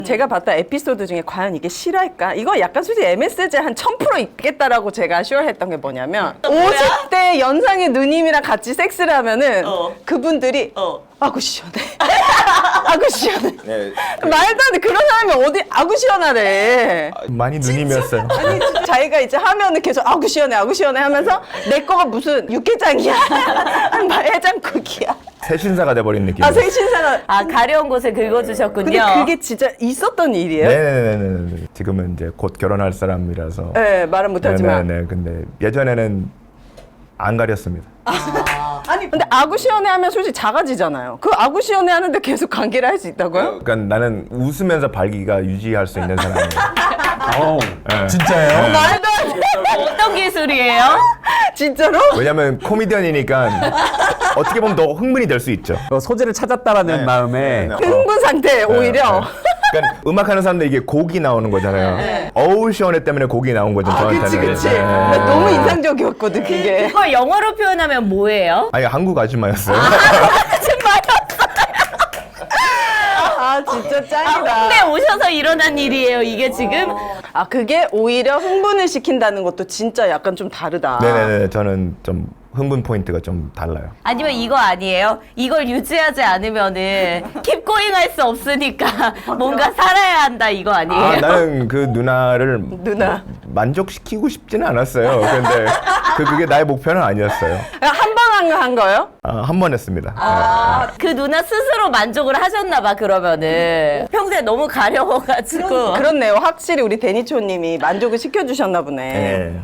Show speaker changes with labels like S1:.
S1: 제가 봤던 에피소드 중에 과연 이게 실화일까? 이거 약간 솔직히 MSG 한 1000% 있겠다라고 제가 슈얼했던 게 뭐냐면 50대 연상의 누님이랑 같이 섹스를 하면은 그분들이 아구 시원해. 아구 시원해.
S2: 네.
S1: 말도 안 돼. 그런 사람이 어디 아구 시원하래.
S2: 많이 누님이었어요.
S1: 아니 자기가 이제 하면은 계속 아구 시원해 하면서 내 거가 무슨 육개장이야. 해장국이야.
S2: 새 신사가 돼버린 느낌.
S1: 아 생신사가.
S3: 아, 가려운 곳에 긁어주셨군요.
S1: 근데 그게 진짜 있었던 일이에요?
S2: 네네네네. 지금은 이제 곧 결혼할 사람이라서.
S1: 네, 말은 못하지만.
S2: 네네. 근데 예전에는 안 가렸습니다.
S1: 아니 근데 아구 시원해 하면 솔직히 작아지잖아요. 그 아구 시원해 하는데 계속 관계를 할 수 있다고요?
S2: 그러니까 나는 웃으면서 발기가 유지할 수 있는 사람이에요. 네.
S4: 진짜예요?
S1: 말도 안 돼.
S3: 어떤 기술이에요?
S1: 진짜로?
S2: 왜냐면 코미디언이니까 어떻게 보면 더 흥분이 될 수 있죠.
S4: 소재를 찾았다라는
S2: 네.
S4: 마음에
S2: 네.
S1: 흥분 상태 오히려.
S2: 그러니까 음악하는 사람들 이게 곡이 나오는 거잖아요. 어우 시원해 때문에 곡이 나온 거죠.
S1: 그치
S2: 저한테는.
S1: 그치.
S2: 네.
S1: 나 너무 인상적이었거든 그게.
S3: 그걸 영어로 표현하면 뭐예요?
S2: 아니 한국 아줌마였어요.
S1: 아 진짜 짱이다.
S3: 홍대 오셔서 일어난 일이에요, 이게 지금?
S1: 아 그게 오히려 흥분을 시킨다는 것도 진짜 약간 좀 다르다.
S2: 네네네. 저는 좀 흥분 포인트가 좀 달라요.
S3: 아니면 이거 아니에요? 이걸 유지하지 않으면은 킵 고잉 할 수 없으니까 뭔가 살아야 한다 이거 아니에요?
S2: 아, 나는 그 누나를
S1: 누나.
S2: 만족시키고 싶지는 않았어요. 근데 그게 나의 목표는 아니었어요.
S1: 한 번 한 거예요?
S2: 한 번 했습니다.
S3: 그 누나 스스로 만족을 하셨나 봐 그러면은 평소에 너무 가려워가지고
S1: 그렇네요. 확실히 우리 데니초님이 만족을 시켜주셨나 보네.
S2: 네.